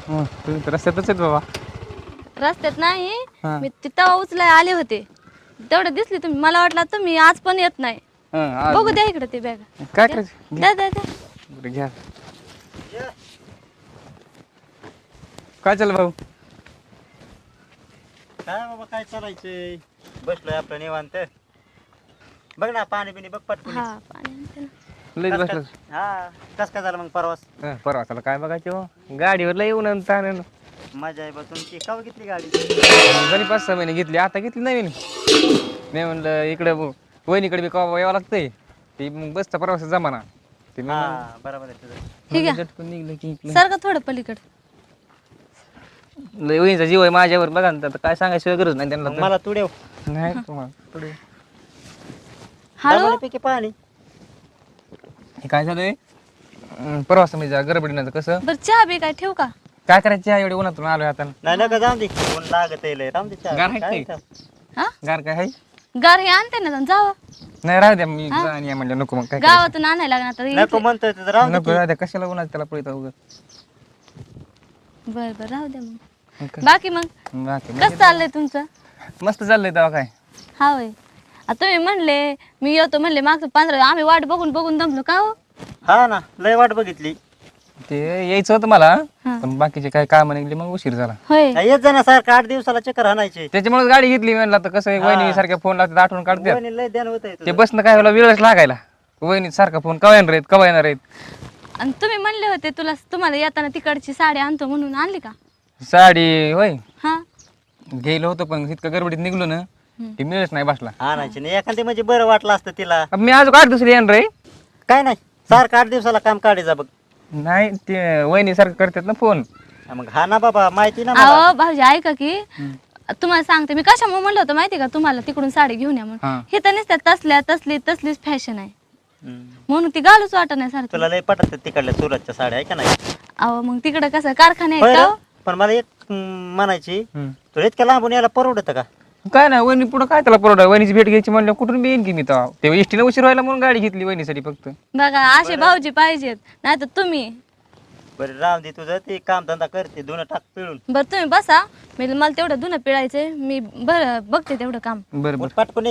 तुम्ही तर रस्त्यातच आहेत बाबा. रस्त्यात नाही हा. मी तिथं उचलाय आले होते तेवढं दिसली तुम्ही मला वाटलं तुम्ही आज पण येत नाही. बघू द्या इकडे ते बॅग काय करायचं द्या द्या द्या. बरं घ्या. काय चाललं भाऊ? काय बाबा काय चालायचंय बसलोय आपलं निवांत. बघ ना पाणी बिणी बघ पटकून. हा पाणी आणते ना. लय कस बसलं. काय- हा कस काय झालं मग परवास? परवासाला काय बघायचं हो? गाडीवर लय येऊन ताण मजा आहे बा तुमची. केव्हा घेतली गाडी? जरी 5-6 महिने घेतली आता घेतली नवीन. मी म्हणलं इकडं वहिनीकडे बी कवा यावं लागतंय ती मग बसचा प्रवास जमाना ते मी हा बरोबर आहे तुझं. ठीक आहे. झटकून निघलं की इकडं. सारखं थोडं पलीकडे लय वहिनीचा जीव आहे माझ्यावर बघा ना आता काय सांगायची गरज नाही त्यांना मग तर. मला तू देव नाही तुम्हाला थोडं. हळू पैकी पाणी. हे काय झालंय प्रवास म्हणजे गडबडीनं कसं बरं चहा बी काय ठेवू का? काय करायचं एवढे उन्हातून आलोय आता. नाही नका जाऊन दे कोण लागत आहे राम दे चहा. गार आहे काय ते? हा गार काय आहे गार हे आणते ना जावं नाही राहू द्या मी आणि म्हणलं नको मग काय करायचं? गावातून आणायला लागणार तर नको म्हणतोय तुझं राम नको राहू द्या कशाला उन्हात त्याला पळत उगं बर बर राहू द्या मग मग काय? बाकी मग बाकी कसं चाललंय तुमचं? मस्त चाललंय तेव्हा काय हा होय तुम्ही म्हणले मी येतो म्हणले मागचं 15 आम्ही वाट बघून बघून दमलो का हो? हा ना लय वाट बघितली. ते यायचं होतं मला हा. पण बाकीचे काय काम निघले मग उशीर झाला होय नाही, येत जाणार सारखं 8 दिवसाला चक्कर हाणायचे. त्याच्यामुळे गाडी घेतली म्हणलं तर कसं हा. वहिनी सारख्या फोन लागतात आठवण काढतात वहिनी लय ध्यान होत ते बसणं काय होला वेळच लागायला वहिनी सारखा फोन कवा येणार आहेत कवा येणार आहेत आणि तुम्ही म्हणले होते तुम्हाला येताना तिकडची साडी आणतो म्हणून आणली का? साडी होय हा गेलो होतो पण इतकं गडबडीत निघलो ना ते मिळच नाही बसला आणायची नाही एखादी म्हणजे बरं वाटलं असतं तिला. मी अजून 8 दुसरी येणार रे काय नाही सारखं 8 दिवसाला काम काढायचं बघ. नाही ते वहिनी सारखं करतात ना फोन मग हा ना बाबा माहिती ना मला. अहो भाऊजी ऐका की तुम्हाला सांगते मी कशामुळे म्हणलं होतं माहिती का तुम्हाला तिकडून साडी घेऊन या म्हणून हा. हे तर नसत्या तसलीच फॅशन आहे हम्म. म्हणून ती घालूच वाटत नाही सारखं. तुला लय पटत तिकडल्या सुरतच्या साड्या आहे का नाही? अहो मग तिकडं कसं कारखाने होय आहेत का रे? हो? पण मला एक म्हणायची तुला इतक्या लांबून यायला परवडत का? काय नाही वहिनी पुढं काय त्याला परवडा वहिनीची भेट घ्यायची म्हणलं कुठून बी येईन की मी तेव्हा एसटीला उशीर व्हायला म्हणून गाडी घेतली वहिनीसाठी फक्त बघा असे भाऊजी पाहिजेत नाही तर तुम्ही बरं राम दे तुझं ते काम धंदा करते दोन टाक पिळून. बरं तुम्ही बसा मला तेवढं धुणं पिळायचंय मी बरं बघते तेवढं काम. बरं उठ पटकन ये.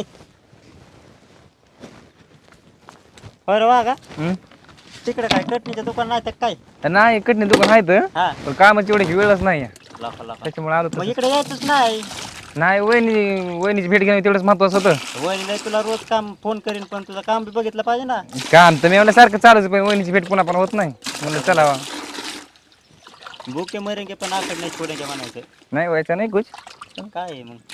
बरं वा का बरं तिकडे काय कटणीचं दुकान नाही तर काय? नाही कटणी दुकान आहे तर हा पण कामाची एवढी वेळच नाही लाखा लाखा. त्याच्यामुळे आलो मग तसं. इकडे यायचंच नाही. नाही वहिनीची भेट घेणं तेवढंच महत्वाचं होतं वहिनीला तुला रोज काम फोन करीन पण तुझं काम बी बघितलं पाहिजे ना. काम तर मी एवढं सारखं चालूच पण वहिनीची भेट पुन्हा पण होत नाही म्हणलं चला भुके मरेंगे पण आखड नाही छोडेंगे म्हणायचं. नाही व्हायचं नाही कुछ काय आहे मग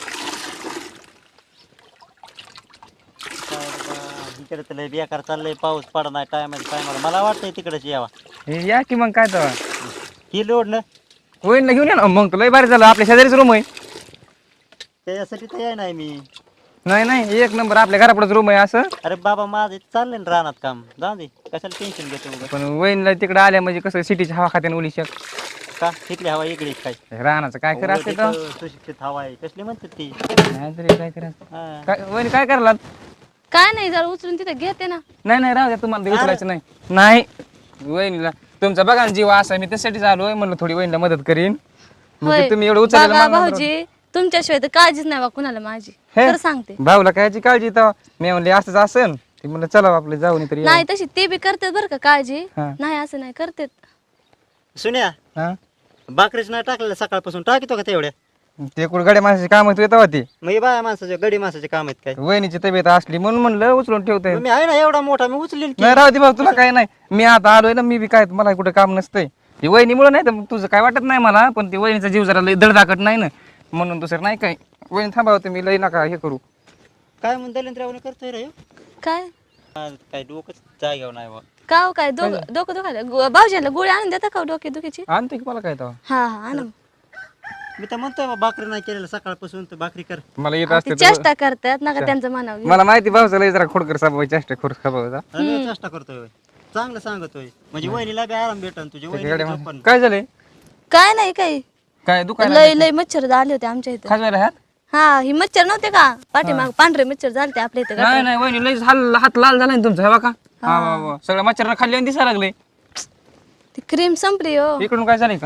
काय बाबा, इकडे तर लय बेकार चाललंय पाऊस पडा नाही टायमाला मला वाटतंय तिकडेच यावा. हे या की मग काय तर ही लोड ना वहिनीला घेऊन या ना मग तर लय भारी झालं आपल्या शेजारीच रूम आहे त्याच्यासाठी तर याय नाही मी. नाही एक नंबर आपल्या घरापुढेच रूम आहे असं अरे बाबा माझं चाललंय ना रानात काम जाऊ दे कशाला टेन्शन घेतो उगाच. पण वहिनीला तिकडे आल्या म्हणजे कसं सिटीची हवा खात्याने उली शक का इथली हवा इकडे काय? राहण्याचं काय करा असते तर सुशिक्षित हवा आहे कसली म्हणतात ती. नाही तरी काय करायचं हा. काय वहिनी काय करायला काय नाही जरा उचलून तिथे घेते ना. नाही राहू द्या तुम्हाला ते उचलायचं नाही वहिनीला तुमचा बघा ना जीव असा मी त्यासाठीच आलोय म्हणलं थोडी वहिनीला मदत करीन मग ते होय तुम्ही एवढं बघा उचललं भाऊजी तुमच्याशिवाय तर काळजीच नाही बा कुणाला माझी हे? खरं सांगते. भाऊला कायची काळजी तर मी म्हणले असंच असन ते म्हणलं चला आपलं जाऊन तरी नाही तशी ते बी करतात बरं का काळजी हा. नाही असं नाही करतात. सुन्या हा बाकरीच नाही टाकलेलं सकाळपासून टाकीतो का तेवढ्या? ते कुठं गाड्या माणसाची काम येत होती मग हे बाया माणसाचे गडी माणसाचे काम आहेत काय? वहिनीची तब्येत असली म्हणून म्हणलं उचलून ठेवतंय मग मी आहे ना एवढा मोठा मी उचलीन की. नाही राहू दे भाऊ तुला काय नाही मी आता आलोय ना मी बी काय मला कुठं काम नसतंय ती वहिनीमुळे नाही तर मग तुझं काय वाटत नाही मला पण ती वहिनीचा जीव जरा लय धडधाकट नाही ना म्हणून दुसरं नाही काय वहिनी थांबावं तुम्ही लय नका हे करू काय म्हणून दलिंद्रावणी करतोय रे ह्यो? काय काय डोकंच जाग्यावर नाही बा. का हो काय डोकं दुखायला भाऊजीला गोळी आणून देता का डोके दुखीची? आणतो की मला काय तेव्हा हा हा आणा. मी तर म्हणतोय बा भाकरी नाही केलेलं सकाळपासून तर भाकरी कर. मला येत ती असते तर- चेष्टा करतात नका त्यांचं म्हणावं घेऊ. मला माहिती भाऊचा लय जरा खोडकर साबा चेष्टा खोड खाबाचा अरे मी चेष्टा करतोय होय. चांगलं सांगतोय म्हणजे वहिनीला बी आराम भेटन तुझी वहिनी पण. काय झालंय काय नाही काही काय दुकान लय लय मच्छर आले होते आमच्या इथे. खाजवायला ह्यात हा ही मच्छर नव्हते का पाठीमाग पांढरे मच्छर झालते आपल्या इथे नाही नाही वहिनी लय हात लाल झाला ना तुमचा हे बघा हा सगळं मच्छरनं खाल्ली आणि दिसायला लागले ती क्रीम संपली हो. इकडून काय झालंय का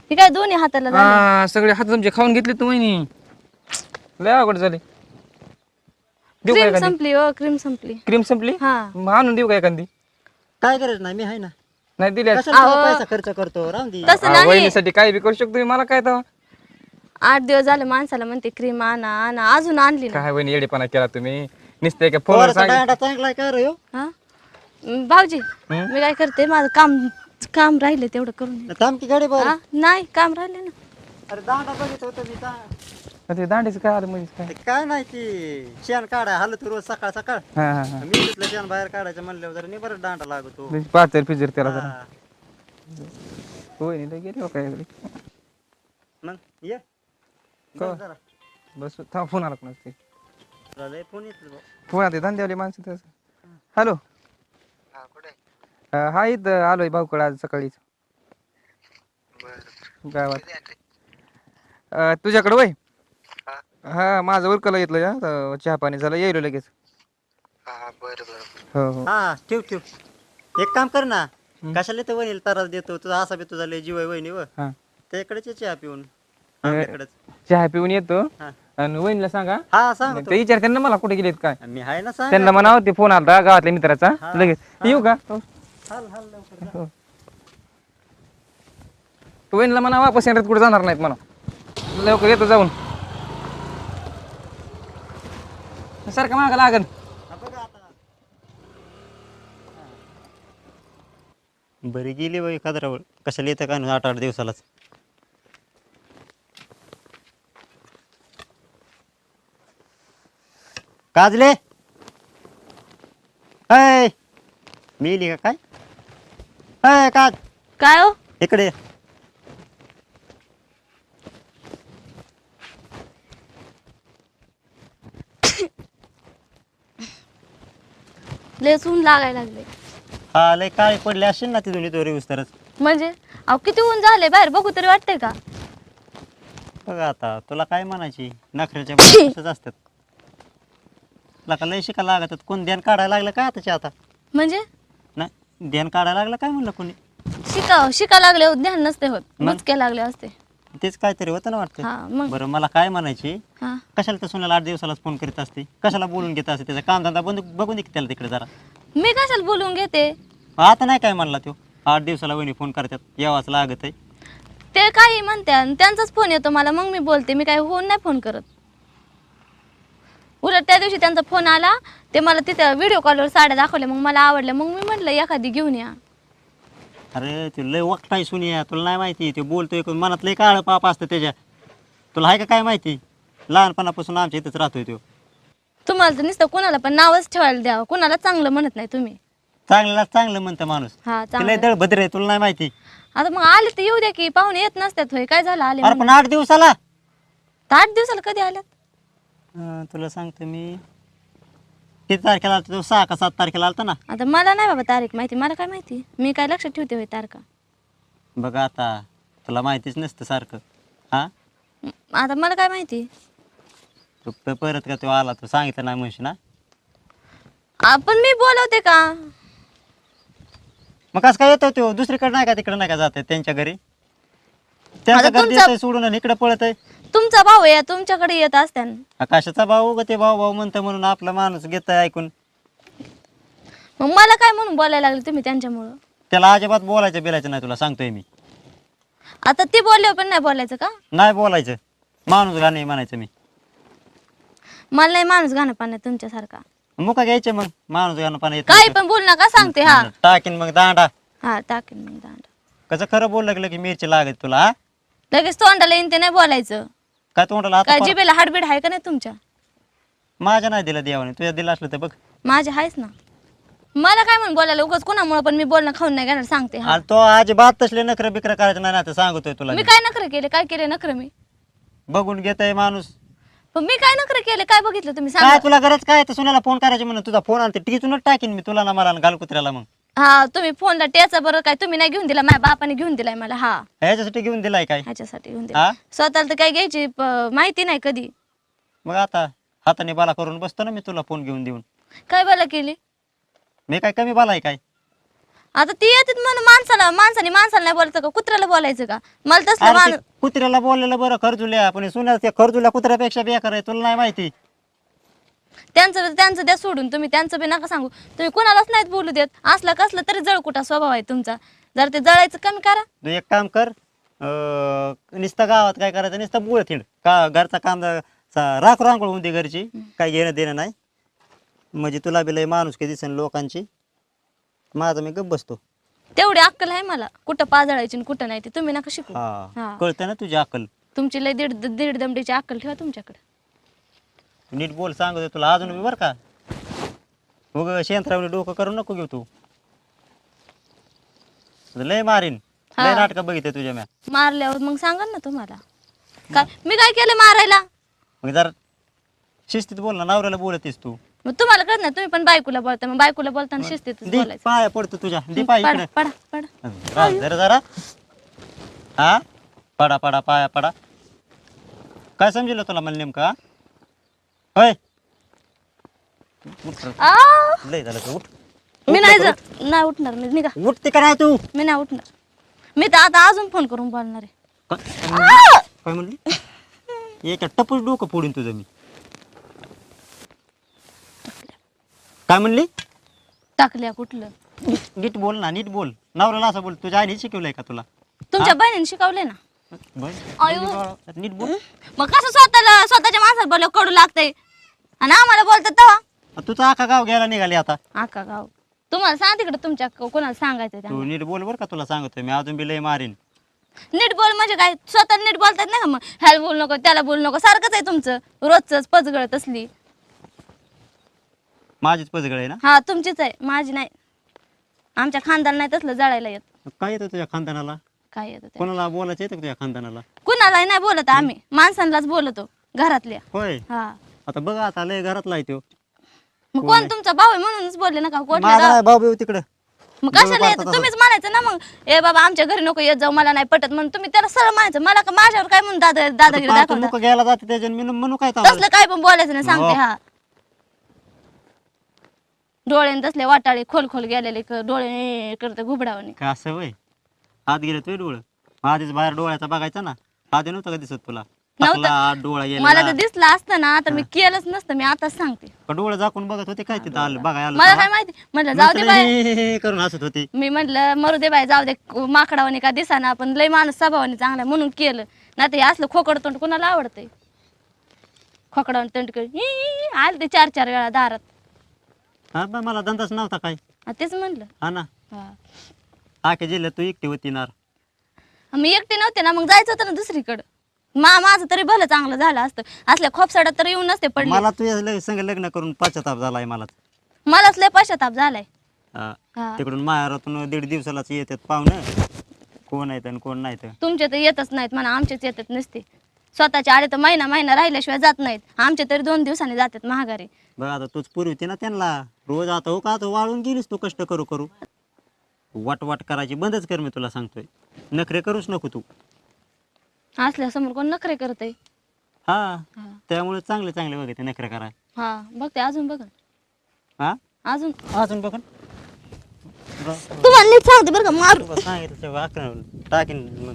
हे काय दोन्ही हाताला झाले. हा सगळे हात तुमचे खाऊन घेतले तू वहिनी. लय अवघड झाले. देऊ का क्रीम एखादी? संपली हो, क्रीम संपली. क्रीम संपली? हा मग आणून देऊ का एखादी? काय गरज नाही, मी आहे ना. नाही दिली कशाला तुला पैसा खर्च करतो, राहून दे. तसं नाही. वहिनीसाठी काय बी करू शकतो मी, मला काय तर 8 दिवस झाले माणसाला म्हणते क्रीम आणा आणा, अजून आणली ना. काय वहिनी येडेपणा केला तुम्ही. नुसते का फोनवर पोराचा सांग. दांडा चांगला आहे का रे ह्यो? हा भाऊजी मी काय करते, माझं काम काम राहिले तेवढं करून घे. थांब की गाडी बरं. हा, नाही काम राहिले ना. अरे दांडा बघित होतं मी ते दांडीचं काय आलं म्हणजे काय? ते काय नाही ती शेण काढाय हालत रोज सकाळ सकाळ. हा हा हा मी तिथलं शेण बाहेर काढायचं म्हणल्यावर जरा नाही बरं दांडा लागतो. पाचर फिजर त्याला जरा. हा. वहिनी लय गेली हो काय. मग ये का? जरा बस थांब फोन आला कोणाचा. तुला लय फोन येतो भाऊ. फोन आते धंद्यावाली माणसं तसं. हॅलो हा इथं आलोय भाऊकडे आज सकाळीच गावात. तुझ्याकडं वय हा माझं उरकला घेतलं या चहा पाणी झालं येईल लगेच. हो हो हा ठेव ठेव. एक काम कर ना, कशाला तर वहिनीला त्रास देतो तुझा, असा बी तुझा लय जीव आहे वहिनी व हा त्याकडेच चहा पिऊन आपल्याकडेच. चहा पिऊन येतो हा. आणि वहिनीला सांगा. हा सांग ते विचारते ना मला कुठे गेलेत काय. मी आहे ना, सांग. त्यांना म्हणावं ते फोन आला गावातल्या मित्राचा हा. लगेच येऊ का. हो. हाल हाल लवकर जा. तू वहिनीला म्हणा वापस येणार कुठे जाणार नाहीत म्हणा, लवकर येतो जाऊन. सारखं मागं लागन. हा, बघा आता. बरी गेली बाई कदरावर, कशाला येतं काय 8-8 दिवसालाच. काजले अय मिली का काय? अय काज काय हो इकडे ये. लेस ऊन लागायला लागले. हा लय काळे पडले असेल ना तिथून इथं रेऊस तरच. म्हणजे अहो किती ऊन झाले बाहेर, बघू तरी वाटतंय का. बघा आता तुला काय म्हणायची, नखऱ्याच्या बाबतीत तसंच असतात. तुला का लय शिका लागतात, कोण ध्यान काढायला लागलं काय आताच्या आता? म्हणजे नाही ध्यान काढायला लागलं काय म्हणलं कोणी? शिका लागले हो, ध्यान नसते होत, मग? बुचके लागले असते. तेच काहीतरी होतं ना वाटतं. हा मग बरं मला काय म्हणायची, हा कशाला तर सुनाला 8 दिवसालाच फोन करीत असते, कशाला बोलून घेत असते, त्याचा कामधंदा बंद बघून दे की त्याला तिकडे जरा. मी कशाला बोलून घेते. आता नाही काय म्हणला तो, 8 दिवसाला वहिनी फोन करतात, यावाच लागत आहे. ते काही म्हणते आणि त्यांचाच फोन येतो मला, मग मी बोलते. मी काही होऊन नाही फोन करत. उलट त्या दिवशी त्यांचा फोन आला, ते मला तिथे व्हिडिओ कॉलवर साड्या दाखवल्या, मग मला आवडल्या, मग मी म्हटलं एखादी घेऊन या. अरे ते लय वक्ताय सुनिया, तुला नाही माहिती, ते बोलतोय मनात लय काळं पाप असतं त्याच्या. तुला आहे का काय माहिती, लहानपणापासून आमच्या इथंच राहतोय तो. तुम्हाला तर नुसतं कोणाला पण नावच ठेवायला द्यावं, कोणाला चांगलं म्हणत नाही तुम्ही. चांगल्याला चांगलं म्हणतं माणूस. हा ते लय चांगलं. दळभद्र आहे, तुला नाही माहिती. आता मग आले तर येऊ द्या की, पाहुणे येत नसतात होय, काय झालं आले अरे पण 8 दिवसाला. तर 8 दिवसाला कधी आल्यात. तुला सांगतो मी, किती तारखेला आलता तो, 6 का 7 तारखेला आलता ना. आता मला नाही बाबा तारीख माहिती, मला काय माहिती, मी काय लक्षात ठेवते होय तारखा. बघा आता तुला माहितीच नसतं सारखं. हा आता मला काय माहिती. तू परत का तो आला, तो सांगितलं नाही म्हणशी ना. आपण मी बोलवते का. मग कसं काय येतो तो, दुसरीकडे नाही का तिकडे नाही का जात त्यांच्या घरी, त्यांच्या आता घरी तुमचा- देतोय सोडून आणि इकडे पळत आहे. तुमचा भाऊ आहे, तुमच्याकडे येत असत्यान. आकाशाचा भाऊ ग ते, भाऊ भाऊ म्हणतं म्हणून आपला माणूस घेत ऐकून. मग मला काय म्हणून बोलायला लागले तुम्ही त्यांच्यामुळं. त्याला अजिबात बोलायचं बिलायचं नाही, तुला सांगतोय मी. आता ती बोलले पण नाही बोलायचं का. नाही बोलायचं, माणूस घाणे म्हणायचं मी. मला नाही माणूस गाणं पाण्यात तुमच्यासारखा. मुका घ्यायचे मग, माणूस घाणं पाणी येत काही पण बोल नका सांगते. हा टाकीन मग दांडा. हा टाकेन मग दांड. कसं खरं बोललं गेलं की मिरची लागत तुला. हा? लगेच तोंडाला येईन ते नाही बोलायचं. काय तोंडाला आता काय परत- जिबेला हाडबीड आहे का नाही तुमच्या. माझ्या नाही दिला देवाने, तुझ्या दिला असलं तर बघ. माझे आहेच ना. मला काय म्हणून बोलायला उगाच कोणामुळे पण मी बोलणं खाऊन नाही घेणार सांगते. हा आणि तो अजिबात तसले नखरं बिकर करायचं नाही ना, तर सांगतोय तुला मी मी. काय नखरे केले, काय केले नखरे मी. बघून घेतय माणूस. पण मी काय नखरे केले, काय बघितलं तुम्ही काय सांगा. तुला गरज काय तर सुनाला फोन करायची म्हणून तुझा फोन आणते टिचूनच टाकीन मी तुला ना मला आणि घाल कुत्र्याला. मग हा तुम्ही फोनला टेचा बरं, काय तुम्ही नाही घेऊन दिला, माझ्या बापाने घेऊन दिलाय मला. हा ह्याच्यासाठी घेऊन दिलाय काय? ह्याच्यासाठी घेऊन हा? दिला. स्वतःला तर काय घ्यायची माहिती नाही कधी. मग आता हाताने बाला करून बसतो ना मी तुला फोन घेऊन देऊन. काय बोला केली. मी काय कमी बाला आहे काय? आता ती येतात म्हणून माणसाने नाही बोलायचं का कुत्र्याला बोलायचं का मला तसलं अरे ते माणूस कुत्र्याला बोललेलं बरं खरजुल्या, पण सुन्या त्या खरजुल्या कुत्र्यापेक्षा बेकार आहे, तुला नाही माहिती. त्यांचं द्या सोडून, तुम्ही त्यांचं बी नका सांगू. तुम्ही कोणालाच नाहीत बोलू देत. असला कसला तरी जळकुटा स्वभाव आहे तुमचा. जर ते जळायचं कमी करा. तू एक काम कर, नुसतं गावात काय करायचं, नुसतं बुळ थिंड का घरचा काम राख रांगोळ होऊन दे घरची, काय घेणं देणं नाही. म्हणजे तुला बी लय माणूस काही दिसन लोकांची, माझा मी गप्प बसतो. तेवढी अक्कल आहे मला, कुठं पाजळायची आणि कुठं नाही ते तुम्ही नका शिकू. हा कळतं ना तुझी अक्कल. तुमची लय दीड दमडीची अक्कल ठेवा तुमच्याकडे. नीट बोल सांगतो तुला अजून मी बरं का. उग शेंतरावली डोकं करू नको घेऊ तू. लय मारीन, लय नाटक बघितलं तुझ्या म्या. मारल्यावर मग सांगा ना तुम्हाला काय मी काय केलं मारायला. मग जरा शिस्तीत बोल ना, नवऱ्याला बोलतेस तू. मग तुम्हाला कळत नाही, तुम्ही पण बायकोला बोलता. मग बायकोला बोलताना शिस्तीतच दे बोलायचं. पाया पडतो तुझ्या, दे पाय पडा इकडे. पडा पडा. राहू दे रे जरा. हा पडा पडा पाया पडा. काय समजलं तुला मला नेमकं? हा? होय उठ रे. आ, लय झालं तू, उठ. मी नाही उठणार. मी निघा, उठते का नाही तू? मी नाही उठणार. मी तर आता अजून फोन करून बोलणार आहे. काय म्हणली? एका टपूस डोकं फोडून तुझं मी. काय म्हणली? टाकल्या कुठलं? नीट बोल ना, नीट बोल. नवऱ्याला असं बोल. तुझ्या आईने शिकवलंय का तुला? तुमच्या बहिणीने शिकवले ना. बरं, नीट बोल. मग कसं स्वतःच्या माणसाला बोलव कडू लागतंय आणि आम्हाला बोलतात तेव्हा. तुझं आखा गाव घ्यायला निघाली आता. आका गाव तुम्हाला सांग तिकडे तुमच्या कोणाला सांगायचं तू त्यांना. नीट बोल बरं का, तुला सांगतोय मी. अजून बी लय मारीन. नीट बोल म्हणजे काय? स्वतः नीट बोलतात नाही का? मग ह्याला बोलू नको त्याला बोलू नको सारखंच आहे तुमचं रोजच पचगळत असली. माझीच पजगळ आहे ना? हा तुमचीच आहे, माझी नाही. आमच्या खानदान नाही तसलं जळायला येत. काय येतं तुझ्या खानदानाला? काय येतं ते? कोणाला बोलायचं येतं का तुझ्या खानदानाला? कुणालाही नाही बोलत आम्ही, माणसांनाच बोलतो घरातल्या. होय. हा आता बघा, आता लय घरातला येतो. मग कोण तुमचा भाऊ आहे म्हणूनच बोलले ना का कोटले माझा नाही भाऊ बिऊ तिकडं. मग कशाला येतं? तुम्हीच म्हणायचं ना मग ए बाबा आमच्या घरी नको येत जाऊ, मला नाही पटत म्हणून तुम्ही त्याला सरळ म्हणायचं. मला का माझ्यावर काय म्हणून दादागिरी दाखवता? मुक घ्यायला जाते त्याच्या मी म्हणू काय तावलं? तसलं काय पण बोलायचं नाही सांगते. हा डोळे तसले वाटाळे खोल खोल गेलेले डोळे करते घुबडावणे. काय असं वय? आत गेले तुझे डोळं? आधीच बाहेर डोळ्याचा बघायचा ना. आधी नव्हतं का दिसत तुला? टाकला आत डोळा मला गेला. तर दिसलं असतं ना तर मी केलंच नसतं. मी आताच सांगते. डोळं झाकून बघत होते काय तिथं आलं बघाय आलं मला तेव्हा? काय माहिती. म्हटलं जाऊ दे बाय, हे करून हसत होती. मी म्हटलं मरू दे बाय, जाऊ दे माकडावानी का दिसाना पण लय माणूस स्वभावाने चांगला म्हणून केलं. नाही तर हे असलं खोकड तोंड कोणाला आवडतंय? खोकडावून तोंड आलं ते 4-4 वेळा दारात. हा बा, मला धंदाच नव्हता काय. तेच म्हणलं. हा ना, हा आखे जिल्ह्यात तू एकटी होती नार. मी एकटे नव्हते ना, मग जायचं होतं ना दुसरीकडं. माझं तरी भलं चांगलं झालं असतं. असल्या खोपसाड्यात तर येऊन नसते पडले. मला तुझ्या संग लग्न करून पश्चाताप झालाय मला. मलाच लय पश्चाताप झालाय. हा. हा. तिकडून माहेरातून 1.5 दिवसालाच येतात पाहुणं. कोण आहेत आणि कोण नाही तर. तुमचे तर येतच नाहीत म्हणा, आमचेच येतात नसते. स्वतःचे आले तर महिना राहिल्याशिवाय जात नाहीत. आमचे तरी 2 दिवसांनी जातात महागारी. बघ आता तूच पुरवते ना त्यांना रोज. आता हो का, आता वाळून गेलीस तू कष्ट करू करू. वाट करायची बंदच कर, मी तुला सांगतोय. नखरे करूच नको तू. असल्यासमोर कोण नखरे करतय? हा, त्यामुळे चांगले चांगले बघते नखरे करा. हा बघते अजून बघ. हा अजून अजून बघ. तुम्हाला नीट सांगते बरं का मारू. सांगितलं टाकीन मग.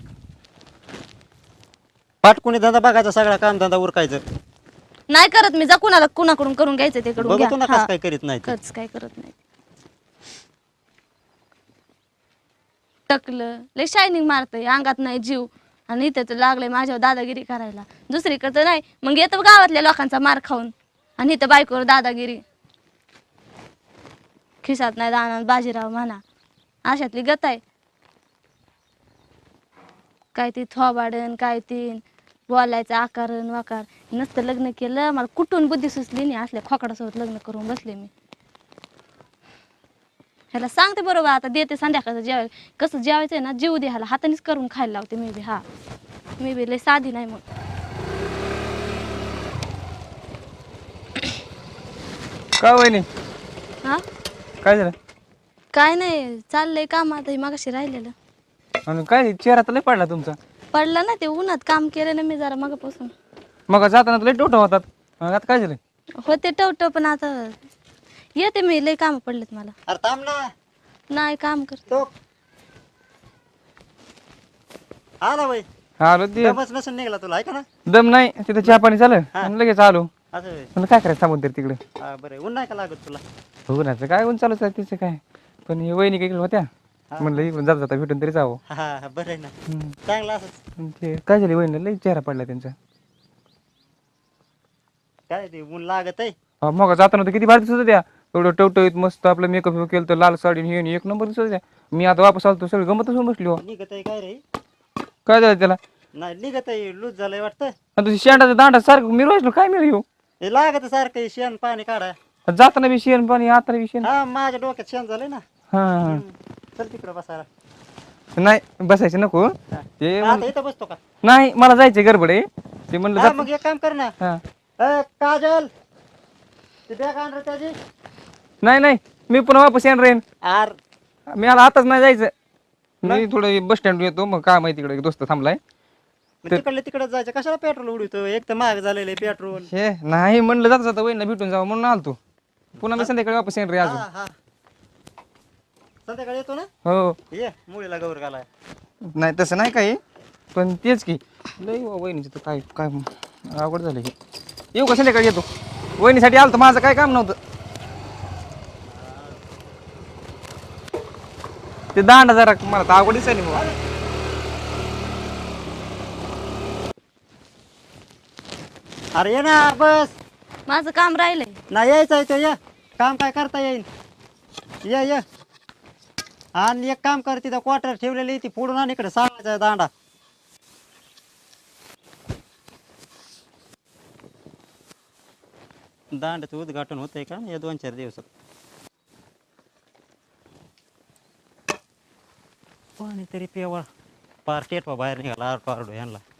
पाटकुनी धंदा बघायचा, सगळा काम धंदा उरकायचं. नाही करत मी. जा कुणाकडून करून घ्यायचं ते कडून बघतो ना घ्या. कसं काय करीत नाही ते. कच काय करत नाही. टकलं लय शायनिंग मारतय, अंगात नाही जीव. आणि इथे तर लागलंय माझ्यावर दादागिरी करायला. दुसरीकडं नाही मग येतं गावातल्या लोकांचा मार खाऊन. आणि इथं बायकोवर दादागिरी. खिसात नाही दाना बाजीराव म्हणा, अशातली गत आहे. काय ती थोबाडन काय ती बोलायचं आकारण वाकार. नसतं लग्न केलं मला कुठून बुद्धी सुचली नाही. असल्या खोकडासोबत लग्न करून बसले मी. ह्याला सांगते बरोबर आता देते संध्याकाळचं जेवाय. कसं जेवायचंय ना जीव दे ह्याला, हातानेच करून खायला लावते मी बी. हा मी बी लय साधी नाही मग. का वहिनी हा काय झालं? काय नाही चाललंय काम आता. हे मागाशी राहिलेलं आणि काय चेहरा तर लय पडला तुमचा. पडला ना ते उन्हात काम केलं ना मी जरा मगापासून. मग जाताना तर लय टोटा होतात. आता काय झालं? होते टवटव पण आता येते मी. लय काम पडलेत मला. अरे थांब ना. नाही काम कर. तो आला बाई आलो ते दमच नसून निघाला तुला ऐका ना दम नाही तिथं चहा पाणी झालं आणि लगेच आलो. असं होय. म्हणलं काय करायचं थांबून तरी तिकडे. हा बरं ऊन नाही का लागत तुला उन्हाचं काय ऊन चालूच आहे तिचं काय. पण हे वहिनी काही होत्या म्हणलं इकडून जाता जाता भेटून तरी जावं. हा बरं आहे ना हम्म. चांगलं असंच आणि ते काय झाले वहिनीला लई चेहरा पडला त्यांचा. काय ते ऊन लागत आहे मग जाताना तर किती भारी दिसत होत्या एवढं टवटवीत मस्त आपलं मेकअप केलं तर लाल साडी हे आणि एक नंबर दिसत होत्या. मी आता वापस आलो तर सगळं गमतच होऊन बसली हो. निघत आहे काय रे काय झालं त्याला नाही निघत आहे लूज झालंय वाटतं आणि तुझी शेंडाचा दांडा सारखं मी रोज काय मिळू हे लागत सारखं शेण पाणी काढा जाताना बी शेण पाणी आता बी शेण. हा माझ्या डोक्यात शेण झालंय ना हा चल तिकडे बसायला नाही बसायचं नको ते आता इथं बसतो का नाही मला जायचंय गडबड आहे ते म्हणलं हा जात मग एक काम कर ना हा काजल ते बॅग आण रे त्याची नाही नाही मी पुन्हा वापस येणार राहीन. आर मी आला आताच नाही जायचं मी थोडं बस स्टँड येतो मग काय माहिती तिकडे दोस्त थांबलाय. तिकडले तिकडे जायचं कशाला पेट्रोल उडवतो एक तर महाग झालेलं आहे पेट्रोल हे नाही म्हणलं जाता जाता वहिनीला भेटून जावं म्हणून आलतो पुन्हा मी संध्याकाळी वापस येणार रे अजून. हा संध्याकाळी येतो ना हो ये मुलीला गौर घालाय नाही तसं नाही काही पण तेच की लई वहिनीचं तर काय काय अवघड झालं की. येऊ का संध्याकाळी येतो वहिनीसाठी आलं तर माझं काय काम नव्हतं. ते दांडा जरा मला तर अवघड दिसायला बुवा. अरे ये ना बस माझं काम राहिलंय. नाही यायचं आहे तो ये काम काय करता येईल ये आणि एक काम कर तिथं क्वार्टर ठेवलेली ती फोडून आण इकडे सांगायचा दांडा दांड्याचं उद्घाटन होतंय का या 2-4 दिवसात पाणी तरी पेवा पार टेटवा बाहेर निघाला आरडो ह्यांना